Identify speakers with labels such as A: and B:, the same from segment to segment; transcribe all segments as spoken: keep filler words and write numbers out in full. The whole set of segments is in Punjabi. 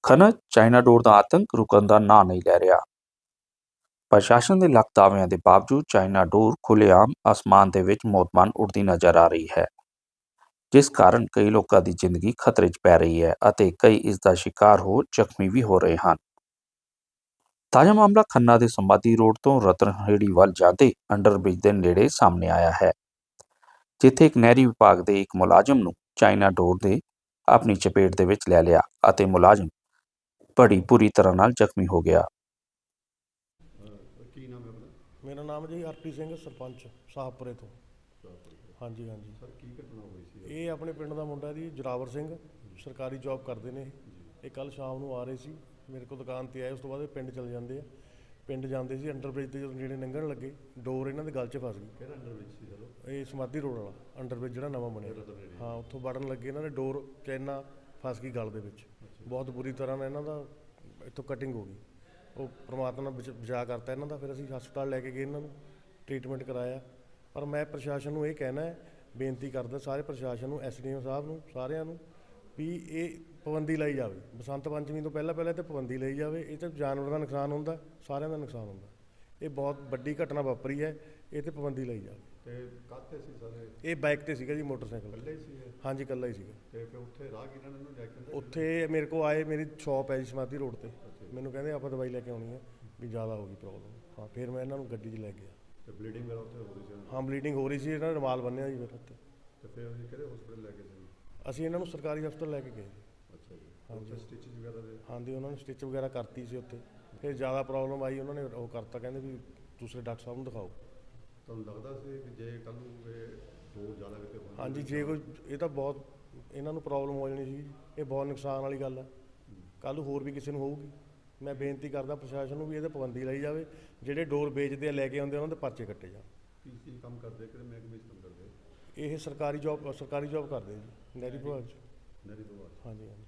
A: ਖਨਨ ਚਾਈਨਾ ਡੋਰ ਦਾ ਆਤੰਕ ਰੁਕਣ ਦਾ ਨਾਂ ਨਹੀਂ ਲੈ ਰਿਹਾ। ਪ੍ਰਸ਼ਾਸਨ ਦੇ ਲੱਖ ਦਾਅਵਿਆਂ ਦੇ ਬਾਵਜੂਦ ਚਾਈਨਾ ਡੋਰ ਖੁੱਲ੍ਹੇਆਮ ਅਸਮਾਨ ਦੇ ਵਿੱਚ ਮੋਤਮਾਨ ਉੱਡਦੀ ਨਜ਼ਰ ਆ ਰਹੀ ਹੈ, ਜਿਸ ਕਾਰਨ ਕਈ ਲੋਕਾਂ ਦੀ ਜ਼ਿੰਦਗੀ ਖਤਰੇ 'ਚ ਪੈ ਰਹੀ ਹੈ ਅਤੇ ਕਈ ਇਸ ਦਾ ਸ਼ਿਕਾਰ ਹੋ ਜ਼ਖਮੀ ਵੀ ਹੋ ਰਹੇ ਹਨ। ਤਾਜ਼ਾ ਮਾਮਲਾ ਖੰਨਾ ਦੇ ਸਮਾਧੀ ਰੋਡ ਤੋਂ ਰਤਨਹੇੜੀ ਵੱਲ ਜਾਂਦੇ ਅੰਡਰਬ੍ਰਿਜ ਦੇ ਨੇੜੇ ਸਾਹਮਣੇ ਆਇਆ ਹੈ, ਜਿੱਥੇ ਇੱਕ ਨਹਿਰੀ ਵਿਭਾਗ ਦੇ ਇੱਕ ਮੁਲਾਜ਼ਮ ਨੂੰ ਚਾਈਨਾ ਡੋਰ ਨੇ ਆਪਣੀ ਚਪੇਟ ਦੇ ਵਿੱਚ ਲੈ ਲਿਆ ਅਤੇ ਮੁਲਾਜ਼ਮ ਬੜੀ ਬੁਰੀ ਤਰ੍ਹਾਂ ਨਾਲ ਜ਼ਖਮੀ ਹੋ ਗਿਆ।
B: ਕੀ ਨਾਮ ਹੈ ਆਪਣਾ?
C: ਮੇਰਾ ਨਾਮ ਜੀ ਹਰਪ੍ਰੀਤ ਸਿੰਘ, ਸਰਪੰਚ ਸਾਹਪੁਰੇ ਤੋਂ। ਹਾਂਜੀ ਹਾਂਜੀ
B: ਸਰ, ਕੀ ਘਟਨਾ ਹੋਈ ਸੀ?
C: ਇਹ ਆਪਣੇ ਪਿੰਡ ਦਾ ਮੁੰਡਾ ਜੀ, ਜੋਰਾਵਰ ਸਿੰਘ, ਸਰਕਾਰੀ ਜੌਬ ਕਰਦੇ ਨੇ। ਇਹ ਕੱਲ੍ਹ ਸ਼ਾਮ ਨੂੰ ਆ ਰਹੇ ਸੀ, ਮੇਰੇ ਕੋਲ ਦੁਕਾਨ 'ਤੇ ਆਏ। ਉਸ ਤੋਂ ਬਾਅਦ ਇਹ ਪਿੰਡ ਚਲੇ ਜਾਂਦੇ ਆ। ਪਿੰਡ ਜਾਂਦੇ ਸੀ, ਅੰਡਰਬ੍ਰਿਜ 'ਤੇ ਜਦੋਂ ਨੇੜੇ ਲੰਘਣ ਲੱਗੇ, ਡੋਰ ਇਹਨਾਂ ਦੇ ਗਲ 'ਚ ਫਸ ਗਈ।
B: ਕਿਹੜਾ ਅੰਡਰਬ੍ਰਿਜ ਸੀ ਚਲੋ?
C: ਇਹ ਸਮਾਧੀ ਰੋਡ ਵਾਲਾ ਅੰਡਰਬ੍ਰਿਜ ਜਿਹੜਾ ਨਵਾਂ ਬਣਿਆ, ਹਾਂ, ਉੱਥੋਂ ਵੜਨ ਲੱਗੇ ਇਹਨਾਂ ਦੇ ਡੋਰ ਚੈਨਾ ਫਸ ਗਈ ਗਲ ਦੇ ਵਿੱਚ। ਬਹੁਤ ਬੁਰੀ ਤਰ੍ਹਾਂ ਨਾਲ ਇਹਨਾਂ ਦਾ ਇੱਥੋਂ ਕਟਿੰਗ ਹੋ ਗਈ। ਉਹ ਪਰਮਾਤਮਾ ਨੇ ਬਚ ਬਚਾ ਕਰਤਾ ਇਹਨਾਂ ਦਾ। ਫਿਰ ਅਸੀਂ ਹਸਪਤਾਲ ਲੈ ਕੇ ਗਏ, ਇਹਨਾਂ ਨੂੰ ਟ੍ਰੀਟਮੈਂਟ ਕਰਾਇਆ। ਪਰ ਮੈਂ ਪ੍ਰਸ਼ਾਸਨ ਨੂੰ ਇਹ ਕਹਿਣਾ ਹੈ, ਬੇਨਤੀ ਕਰਦਾ ਸਾਰੇ ਪ੍ਰਸ਼ਾਸਨ ਨੂੰ, ਐਸ ਡੀ ਓ ਸਾਹਿਬ ਨੂੰ, ਸਾਰਿਆਂ ਨੂੰ, ਵੀ ਇਹ ਪਾਬੰਦੀ ਲਾਈ ਜਾਵੇ। ਬਸੰਤ ਪੰਚਮੀ ਤੋਂ ਪਹਿਲਾਂ ਪਹਿਲਾਂ ਤਾਂ ਪਾਬੰਦੀ ਲਈ ਜਾਵੇ। ਇਹ ਤਾਂ ਜਾਨਵਰਾਂ ਦਾ ਨੁਕਸਾਨ ਹੁੰਦਾ, ਸਾਰਿਆਂ ਦਾ ਨੁਕਸਾਨ ਹੁੰਦਾ। ਇਹ ਬਹੁਤ ਵੱਡੀ ਘਟਨਾ ਵਾਪਰੀ ਹੈ, ਇਹ 'ਤੇ ਪਾਬੰਦੀ ਲਈ ਜਾਵੇ।
B: ਤੇ ਕਾਹਤੇ ਸੀ ਸਾਰੇ?
C: ਇਹ ਬਾਈਕ 'ਤੇ ਸੀਗਾ ਜੀ, ਮੋਟਰਸਾਈਕਲ
B: ਇਕੱਲੇ ਹੀ ਸੀ?
C: ਹਾਂਜੀ, ਇਕੱਲਾ ਹੀ ਸੀਗਾ।
B: ਤੇ ਫਿਰ ਉੱਥੇ ਰਾਹਗੀਰਾਂ ਨੇ ਇਹਨੂੰ ਲੈ ਕੇ ਆਂਦਾ?
C: ਉੱਥੇ ਮੇਰੇ ਕੋਲ ਆਏ, ਮੇਰੀ ਸ਼ੌਪ ਹੈ ਜੀ ਸਮਾਧੀ ਰੋਡ 'ਤੇ। ਮੈਨੂੰ ਕਹਿੰਦੇ ਆਪਾਂ ਦਵਾਈ ਲੈ ਕੇ ਆਉਣੀ ਹੈ, ਵੀ ਜ਼ਿਆਦਾ ਹੋ ਗਈ ਪ੍ਰੋਬਲਮ। ਹਾਂ, ਫਿਰ ਮੈਂ ਇਹਨਾਂ ਨੂੰ ਗੱਡੀ 'ਚ ਲੈ ਗਿਆ।
B: ਤੇ ਬਲੀਡਿੰਗ ਵਗੈਰਾ ਉੱਥੇ ਹੋ ਰਹੀ ਸੀ?
C: ਹਾਂ, ਬਲੀਡਿੰਗ ਹੋ ਰਹੀ ਸੀ, ਇਹਨਾਂ ਨੇ ਰੁਮਾਲ ਬੰਨਿਆ ਜੀ ਫਿਰ ਉੱਥੇ।
B: ਤੇ ਫਿਰ ਅਸੀਂ ਕਿਹੜੇ ਹਸਪੀਟਲ ਲੈ ਕੇ ਸੀ?
C: ਅਸੀਂ ਇਹਨਾਂ ਨੂੰ ਸਰਕਾਰੀ ਹਸਪਤਾਲ ਲੈ ਕੇ ਗਏ।
B: ਅੱਛਾ ਜੀ। ਹਾਂਜੀ, ਸਟਿਚਿੰਗ ਵਗੈਰਾ ਦੇ?
C: ਹਾਂਜੀ, ਉਹਨਾਂ ਨੇ ਸਟਿਚ ਵਗੈਰਾ ਕਰਤੀ ਸੀ ਉੱਥੇ। ਫਿਰ ਜ਼ਿਆਦਾ ਪ੍ਰੋਬਲਮ ਆਈ, ਉਹਨਾਂ ਨੇ ਉਹ ਕਰਤਾ, ਕਹਿੰਦੇ ਵੀ ਦੂਸਰੇ ਡਾਕਟਰ ਸਾਹਿਬ ਨੂੰ ਦਿਖਾਓ।
B: ਤੁਹਾਨੂੰ ਲੱਗਦਾ ਸੀ ਕਿ ਜੇ ਕੱਲ੍ਹ ਨੂੰ ਇਹ ਡੋਰ ਜ਼ਿਆਦਾ ਕਿਤੇ ਹੋਣੀ?
C: ਹਾਂਜੀ, ਜੇ ਕੋਈ, ਇਹ ਤਾਂ ਬਹੁਤ ਇਹਨਾਂ ਨੂੰ ਪ੍ਰੋਬਲਮ ਹੋ ਜਾਣੀ ਸੀ। ਇਹ ਬਹੁਤ ਨੁਕਸਾਨ ਵਾਲੀ ਗੱਲ ਹੈ। ਕੱਲ੍ਹ ਨੂੰ ਹੋਰ ਵੀ ਕਿਸੇ ਨੂੰ ਹੋਊਗੀ। ਮੈਂ ਬੇਨਤੀ ਕਰਦਾ ਪ੍ਰਸ਼ਾਸਨ ਨੂੰ ਵੀ ਇਹਦੇ ਪਾਬੰਦੀ ਲਾਈ ਜਾਵੇ। ਜਿਹੜੇ ਡੋਰ ਵੇਚਦੇ ਆ, ਲੈ ਕੇ ਆਉਂਦੇ, ਉਹਨਾਂ ਦੇ ਪਰਚੇ ਕੱਟੇ ਜਾਣ।
B: ਕੀ ਕੀ ਕੰਮ ਕਰਦੇ? ਕਿਹੜੇ ਮਹਿਕਮੇ 'ਚ ਕੰਮ ਕਰਦੇ?
C: ਇਹ ਸਰਕਾਰੀ ਜੌਬ ਸਰਕਾਰੀ ਜੌਬ ਕਰਦੇ ਜੀ, ਨਹਿਰੀ ਵਿਭਾਗ 'ਚ।
B: ਨਹਿਰੀ ਵਿਭਾਗ?
C: ਹਾਂਜੀ ਹਾਂਜੀ।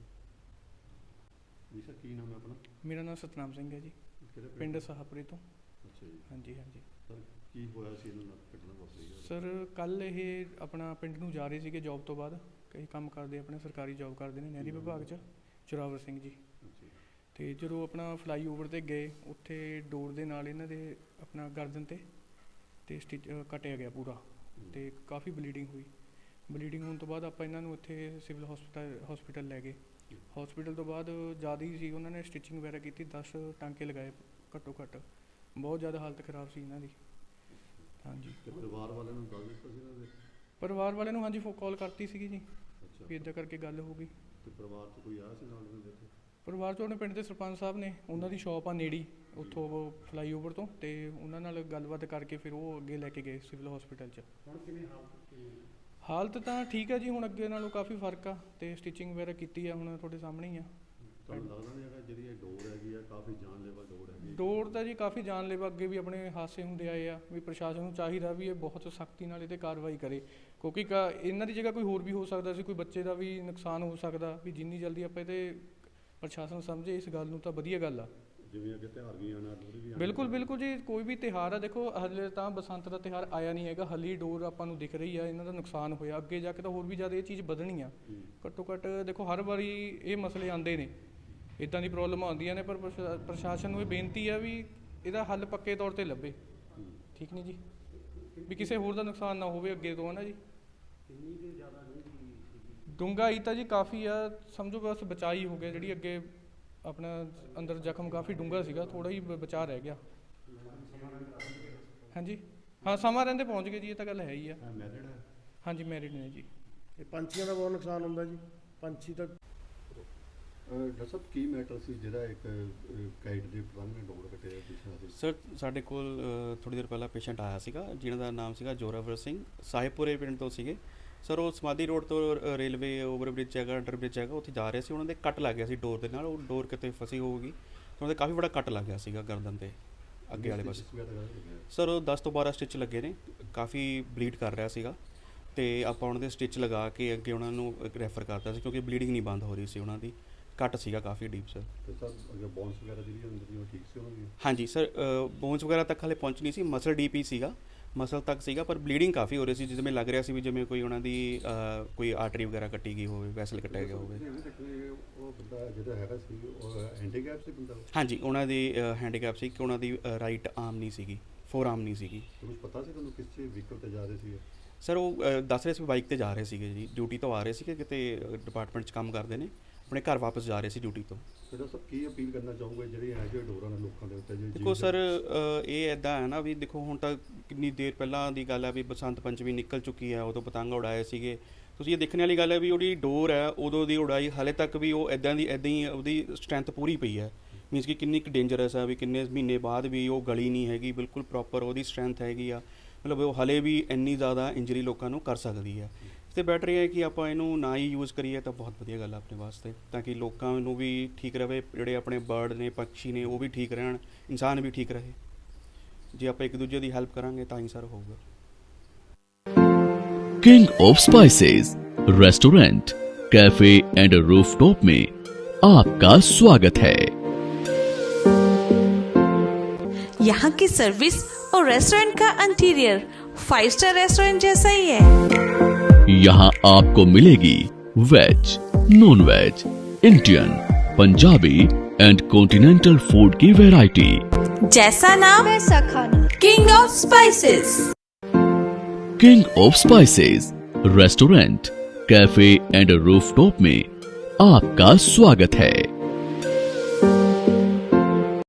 B: ਜੀ ਸਰ, ਕੀ ਨਾਮ ਹੈ ਆਪਣਾ?
D: ਮੇਰਾ ਨਾਮ ਸਤਨਾਮ ਸਿੰਘ ਹੈ ਜੀ,
B: ਕਿਹੜੇ
D: ਪਿੰਡ ਸਾਹਪੁਰੇ ਤੋਂ।
B: ਅੱਛਾ ਜੀ।
D: ਹਾਂਜੀ ਹਾਂਜੀ
B: ਸਰ, ਕੀ ਹੋਇਆ ਸੀ ਇਹਨਾਂ ਨਾਲ ਘਟਨਾ ਵਾਪਰੀ?
D: ਸਰ, ਕੱਲ੍ਹ ਇਹ ਆਪਣਾ ਪਿੰਡ ਨੂੰ ਜਾ ਰਹੇ ਸੀਗੇ ਜੌਬ ਤੋਂ ਬਾਅਦ। ਕਈ ਕੰਮ ਕਰਦੇ, ਆਪਣੇ ਸਰਕਾਰੀ ਜੌਬ ਕਰਦੇ ਨੇ ਨਹਿਰੀ ਵਿਭਾਗ 'ਚ, ਜੋਰਾਵਰ ਸਿੰਘ ਜੀ। ਅਤੇ ਜਦੋਂ ਆਪਣਾ ਫਲਾਈ ਓਵਰ 'ਤੇ ਗਏ, ਉੱਥੇ ਡੋਰ ਦੇ ਨਾਲ ਇਹਨਾਂ ਦੇ ਆਪਣਾ ਗਰਦਨ 'ਤੇ ਅਤੇ ਸਟਿਚ ਕੱਟਿਆ ਗਿਆ ਪੂਰਾ, ਅਤੇ ਕਾਫੀ ਬਲੀਡਿੰਗ ਹੋਈ। ਬਲੀਡਿੰਗ ਹੋਣ ਤੋਂ ਬਾਅਦ ਆਪਾਂ ਇਹਨਾਂ ਨੂੰ ਇੱਥੇ ਸਿਵਲ ਹਸਪਤਾਲ ਹਸਪੀਟਲ ਲੈ ਗਏ। ਹਸਪੀਟਲ ਤੋਂ ਬਾਅਦ ਜ਼ਿਆਦਾ ਹੀ ਸੀ, ਉਹਨਾਂ ਨੇ ਸਟਿਚਿੰਗ ਵਗੈਰਾ ਕੀਤੀ, ਦਸ ਟਾਂਕੇ ਲਗਾਏ ਘੱਟੋ ਘੱਟ। ਬਹੁਤ ਜ਼ਿਆਦਾ ਹਾਲਤ ਖ਼ਰਾਬ ਸੀ ਇਹਨਾਂ ਦੀ। ਹਾਂਜੀ।
B: ਤੇ ਪਰਿਵਾਰ ਵਾਲਿਆਂ ਨੂੰ ਦੱਸ ਦਿੱਤਾ ਸੀ ਇਹਨਾਂ ਦੇ?
D: ਪਰਿਵਾਰ ਵਾਲਿਆਂ ਨੂੰ ਹਾਂਜੀ, ਫੋ ਕਾਲ ਕਰਤੀ ਸੀਗੀ ਜੀ,
B: ਅੱਛਾ।
D: ਵੀ ਇੱਦਾਂ ਕਰਕੇ ਗੱਲ ਹੋ ਗਈ।
B: ਤੇ ਪਰਿਵਾਰ 'ਚ ਕੋਈ ਆਇਆ ਸੀ ਨਾਲ ਇਹਨਾਂ ਦੇ?
D: ਪਰਿਵਾਰ 'ਚੋਂ ਆਪਣੇ ਪਿੰਡ ਦੇ ਸਰਪੰਚ ਸਾਹਿਬ ਨੇ, ਉਹਨਾਂ ਦੀ ਸ਼ੌਪ ਆ ਨੇੜੀ ਉੱਥੋਂ ਫਲਾਈ ਓਵਰ ਤੋਂ, ਅਤੇ ਉਹਨਾਂ ਨਾਲ ਗੱਲਬਾਤ ਕਰਕੇ ਫਿਰ ਉਹ ਅੱਗੇ ਲੈ ਕੇ ਗਏ ਸਿਵਲ ਹਸਪੀਟਲ 'ਚ।
B: ਹੁਣ ਕਿਵੇਂ ਹਾਲਤ?
D: ਹਾਲਤ ਤਾਂ ਠੀਕ ਹੈ ਜੀ, ਹੁਣ ਅੱਗੇ ਨਾਲੋਂ ਕਾਫੀ ਫਰਕ ਆ, ਅਤੇ ਸਟਿਚਿੰਗ ਵਗੈਰਾ ਕੀਤੀ ਆ, ਹੁਣ ਤੁਹਾਡੇ ਸਾਹਮਣੇ ਹੀ ਆ।
B: ਤੁਹਾਨੂੰ ਲੱਗਦਾ ਨਹੀਂ ਹੈਗਾ ਜਿਹੜੀ ਇਹ ਡੋਰ ਹੈਗੀ ਆ, ਕਾਫੀ ਜਾਨਲੇਵਾ ਡੋਰ ਹੈਗੀ?
D: ਡੋਰ ਤਾਂ ਜੀ ਕਾਫੀ ਜਾਨਲੇਵਾ, ਅੱਗੇ ਵੀ ਆਪਣੇ ਹਾਦਸੇ ਹੁੰਦੇ ਆਏ ਆ। ਵੀ ਪ੍ਰਸ਼ਾਸਨ ਨੂੰ ਚਾਹੀਦਾ ਵੀ ਇਹ ਬਹੁਤ ਸਖਤੀ ਨਾਲ ਇਹ 'ਤੇ ਕਾਰਵਾਈ ਕਰੇ, ਕਿਉਂਕਿ ਕਾ ਇਹਨਾਂ ਦੀ ਜਗ੍ਹਾ ਕੋਈ ਹੋਰ ਵੀ ਹੋ ਸਕਦਾ ਸੀ, ਕੋਈ ਬੱਚੇ ਦਾ ਵੀ ਨੁਕਸਾਨ ਹੋ ਸਕਦਾ। ਵੀ ਜਿੰਨੀ ਜਲਦੀ ਆਪਾਂ ਇਹਦੇ ਪ੍ਰਸ਼ਾਸਨ ਸਮਝੇ ਇਸ ਗੱਲ ਨੂੰ ਤਾਂ ਵਧੀਆ ਗੱਲ ਆ।
B: ਜਿਵੇਂ ਅੱਗੇ ਤਿਉਹਾਰ ਵੀ ਆਉਣਾ, ਲੋਹੜੀ ਵੀ ਆਉਣੀ।
D: ਬਿਲਕੁਲ ਬਿਲਕੁਲ ਜੀ, ਕੋਈ ਵੀ ਤਿਉਹਾਰ ਆ, ਦੇਖੋ ਹਾਲੇ ਤਾਂ ਬਸੰਤ ਦਾ ਤਿਉਹਾਰ ਆਇਆ ਨਹੀਂ ਹੈਗਾ, ਹਾਲੇ ਡੋਰ ਆਪਾਂ ਨੂੰ ਦਿਖ ਰਹੀ ਆ, ਇਹਨਾਂ ਦਾ ਨੁਕਸਾਨ ਹੋਇਆ। ਅੱਗੇ ਜਾ ਕੇ ਤਾਂ ਹੋਰ ਵੀ ਜ਼ਿਆਦਾ ਇਹ ਚੀਜ਼ ਵਧਣੀ ਆ। ਘੱਟੋ ਘੱਟ ਦੇਖੋ, ਹਰ ਵਾਰੀ ਇਹ ਮਸਲੇ ਆਉਂਦੇ ਨੇ, ਇੱਦਾਂ ਦੀ ਪ੍ਰੋਬਲਮ ਆਉਂਦੀਆਂ ਨੇ, ਪਰ ਪ੍ਰਸ਼ਾ ਪ੍ਰਸ਼ਾਸਨ ਨੂੰ ਇਹ ਬੇਨਤੀ ਆ ਵੀ ਇਹਦਾ ਹੱਲ ਪੱਕੇ ਤੌਰ 'ਤੇ ਲੱਭੇ। ਠੀਕ ਨਹੀਂ ਜੀ, ਵੀ ਕਿਸੇ ਹੋਰ ਦਾ ਨੁਕਸਾਨ ਨਾ ਹੋਵੇ ਅੱਗੇ ਤੋਂ, ਹੈ ਨਾ ਜੀ। ਡੂੰਘਾਈ ਤਾਂ ਜੀ ਕਾਫੀ ਆ, ਸਮਝੋ ਬਸ ਬਚਾਅ ਹੀ ਹੋ ਗਿਆ। ਜਿਹੜੀ ਅੱਗੇ ਆਪਣਾ ਅੰਦਰ ਜ਼ਖਮ ਕਾਫੀ ਡੂੰਘਾ ਸੀਗਾ, ਥੋੜ੍ਹਾ ਹੀ ਬਚਾਅ ਰਹਿ ਗਿਆ। ਹਾਂਜੀ, ਹਾਂ, ਸਮਾਂ ਰਹਿੰਦੇ ਪਹੁੰਚ ਗਏ ਜੀ, ਇਹ ਤਾਂ ਗੱਲ ਹੈ ਹੀ ਆ।
B: ਮੈਰਿਡ ਹੈ?
D: ਹਾਂਜੀ, ਮੈਰਿਡ ਨੇ ਜੀ।
C: ਇਹ ਪੰਛੀਆਂ ਦਾ ਬਹੁਤ ਨੁਕਸਾਨ ਹੁੰਦਾ ਜੀ। ਪੰਛੀ ਤਾਂ
B: ਡਾਕਟਰ ਸਾਹਿਬ, ਕੀ ਮੈਟਰ ਸੀ ਜਿਹੜਾ ਇੱਕ ਕਾਈਟ ਦੇ ਪਤੰਗ ਨੇ ਡੋਰ ਕੱਟਿਆ ਪਿਛਲਾ ਸੀ?
E: ਸਰ, ਸਾਡੇ ਕੋਲ ਥੋੜ੍ਹੀ ਦੇਰ ਪਹਿਲਾਂ ਪੇਸ਼ੈਂਟ ਆਇਆ ਸੀਗਾ, ਜਿਹਨਾਂ ਦਾ ਨਾਮ ਸੀਗਾ ਜੋਰਾਵਰ ਸਿੰਘ, ਸਾਹਿਬਪੁਰੇ ਪਿੰਡ ਤੋਂ ਸੀਗੇ। ਸਰ, ਉਹ ਸਮਾਧੀ ਰੋਡ ਤੋਂ ਰੇਲਵੇ ਓਵਰਬ੍ਰਿਜ ਹੈਗਾ, ਅੰਡਰਬ੍ਰਿਜ ਹੈਗਾ, ਉੱਥੇ ਜਾ ਰਹੇ ਸੀ। ਉਹਨਾਂ ਦੇ ਕੱਟ ਲੱਗ ਗਿਆ ਸੀ ਡੋਰ ਦੇ ਨਾਲ। ਉਹ ਡੋਰ ਕਿਤੇ ਫਸੀ ਹੋਊਗੀ, ਉਹਨਾਂ ਦੇ ਕਾਫੀ ਬੜਾ ਕੱਟ ਲੱਗ ਗਿਆ ਸੀਗਾ ਗਰਦਨ 'ਤੇ ਅੱਗੇ ਵਾਲੇ ਪਾਸੇ। ਸਰ, ਉਹ ਦਸ ਤੋਂ ਬਾਰਾਂ ਸਟਿਚ ਲੱਗੇ ਨੇ, ਕਾਫੀ ਬਲੀਡ ਕਰ ਰਿਹਾ ਸੀਗਾ, ਅਤੇ ਆਪਾਂ ਉਹਨਾਂ ਦੇ ਸਟਿਚ ਲਗਾ ਕੇ ਅੱਗੇ ਉਹਨਾਂ ਨੂੰ ਰੈਫਰ ਕਰਤਾ ਸੀ, ਕਿਉਂਕਿ ਬਲੀਡਿੰਗ ਨਹੀਂ ਬੰਦ ਹੋ ਰਹੀ ਸੀ, ਉਹਨਾਂ ਦੀ ਕੱਟ ਸੀਗਾ ਕਾਫੀ ਡੀਪ। ਸਰ,
B: ਬੋਨਸ ਵਗੈਰਾ ਜਿਹੜੀ ਹੁੰਦੀ ਉਹ ਠੀਕ ਸੀ ਉਹਨਾਂ ਦੀ?
E: ਹਾਂਜੀ ਸਰ, ਬੋਨਸ ਵਗੈਰਾ ਤੱਕ ਹਾਲੇ ਪਹੁੰਚ ਨਹੀਂ ਸੀ, ਮਸਲ ਡੀਪ ਹੀ ਸੀਗਾ, ਮਸਲ ਤੱਕ ਸੀਗਾ, ਪਰ ਬਲੀਡਿੰਗ ਕਾਫੀ ਹੋ ਰਹੀ ਸੀ, ਜਿਵੇਂ ਲੱਗ ਰਿਹਾ ਸੀ ਵੀ ਜਿਵੇਂ ਕੋਈ ਉਹਨਾਂ ਦੀ ਅਹ, ਕੋਈ ਆਰਟਰੀ ਵਗੈਰਾ ਕੱਟੀ ਗਈ ਹੋਵੇ, ਵੈਸਲ ਕੱਟਿਆ ਗਿਆ ਹੋਵੇ।
B: ਇਹ ਵੀ ਦੇਖਦੇ ਉਹ ਬੰਦਾ ਜਿਹੜਾ ਹੈਗਾ ਸੀ ਉਹ ਹੈਂਡੀਕੈਪ ਸੀ ਬੰਦਾ,
E: ਹਾਂਜੀ, ਉਹਨਾਂ ਦੀ ਹੈਂਡੀਕੈਪ ਸੀ ਕਿ ਉਹਨਾਂ ਦੀ ਰਾਈਟ ਆਰਮ ਨਹੀਂ ਸੀਗੀ, ਫੋਰ ਆਰਮ ਨਹੀਂ ਸੀਗੀ।
B: ਤੁਹਾਨੂੰ ਪਤਾ ਸੀ ਤੁਹਾਨੂੰ ਕਿਸ ਚੀਜ਼ ਵਹੀਕਲ ਤੇ ਜਾ ਰਹੇ ਸੀ?
E: ਸਰ ਉਹ ਅਹ, ਦੱਸ ਰਹੇ ਸੀ ਬਾਈਕ ਤੇ ਜਾ ਰਹੇ ਸੀਗੇ ਜੀ, ਡਿਊਟੀ ਤੋਂ ਆ ਰਹੇ ਸੀਗੇ, ਕਿਤੇ ਡਿਪਾਰਟਮੈਂਟ 'ਚ ਕੰਮ ਕਰਦੇ ਨੇ, ਆਪਣੇ ਘਰ ਵਾਪਸ ਜਾ ਰਹੇ ਸੀ ਡਿਊਟੀ ਤੋਂ।
B: ਫਿਰ ਉਹ ਸਭ ਕੀ ਅਪੀਲ ਕਰਨਾ ਚਾਹੋਗੇ ਜਿਹੜੀ ਇਹੋ ਜਿਹੇ ਡੋਰਾਂ ਨੇ ਲੋਕਾਂ ਦੇ ਉੱਤੇ? ਜੇ
E: ਦੇਖੋ ਸਰ, ਅ, ਇਹ ਇੱਦਾਂ ਹੈ ਨਾ ਵੀ ਦੇਖੋ ਹੁਣ ਤਾਂ ਕਿੰਨੀ ਦੇਰ ਪਹਿਲਾਂ ਦੀ ਗੱਲ ਹੈ ਵੀ ਬਸੰਤ ਪੰਚਮੀ ਨਿਕਲ ਚੁੱਕੀ ਹੈ, ਉਦੋਂ ਪਤੰਗ ਉਡਾਏ ਸੀਗੇ। ਤੁਸੀਂ ਇਹ ਦੇਖਣ ਵਾਲੀ ਗੱਲ ਹੈ ਵੀ ਉਹਦੀ ਡੋਰ ਹੈ ਉਦੋਂ ਦੀ ਉਡਾਈ ਹਾਲੇ ਤੱਕ ਵੀ ਉਹ ਇੱਦਾਂ ਦੀ ਇੱਦਾਂ ਹੀ ਉਹਦੀ ਸਟਰੈਂਥ ਪੂਰੀ ਪਈ ਹੈ। ਮੀਨਸ ਕਿ ਕਿੰਨੀ ਕੁ ਡੇਂਜਰਸ ਹੈ ਵੀ ਕਿੰਨੇ ਮਹੀਨੇ ਬਾਅਦ ਵੀ ਉਹ ਗਲੀ ਨਹੀਂ ਹੈਗੀ, ਬਿਲਕੁਲ ਪ੍ਰੋਪਰ ਉਹਦੀ ਸਟਰੈਂਥ ਹੈਗੀ ਆ। ਮਤਲਬ ਉਹ ਹਾਲੇ ਵੀ ਇੰਨੀ ਜ਼ਿਆਦਾ ਇੰਜਰੀ ਲੋਕਾਂ ਨੂੰ ਕਰ ਸਕਦੀ ਹੈ। ਅਤੇ ਬੈਟਰ ਇਹ ਹੈ ਕਿ ਆਪਾਂ ਇਹਨੂੰ ਨਾ ਹੀ ਯੂਜ਼ ਕਰੀਏ ਤਾਂ ਬਹੁਤ ਵਧੀਆ ਗੱਲ ਹੈ ਆਪਣੇ ਵਾਸਤੇ, ਤਾਂ ਕਿ ਲੋਕਾਂ ਨੂੰ ਵੀ ਠੀਕ ਰਹੇ, ਜਿਹੜੇ ਆਪਣੇ ਬਰਡ ਨੇ, ਪੰਛੀ ਨੇ, ਉਹ ਵੀ ਠੀਕ ਰਹਿਣ, ਇਨਸਾਨ ਵੀ ਠੀਕ ਰਹੇ। ਜੇ ਆਪਾਂ ਇੱਕ ਦੂਜੇ ਦੀ ਹੈਲਪ ਕਰਾਂਗੇ ਤਾਂ ਹੀ ਸਰ ਹੋਊਗਾ।
F: King of spices restaurant, cafe and rooftop में आपका स्वागत है।
G: यहाँ की सर्विस और रेस्टोरेंट का इंटीरियर फाइव स्टार रेस्टोरेंट जैसा ही है।
F: यहाँ आपको मिलेगी veg, non veg, Indian, Punjabi and continental food की वैरायटी।
G: जैसा नाम वैसा खाना, king of spices.
F: King of spices restaurant, cafe and rooftop में आपका स्वागत है।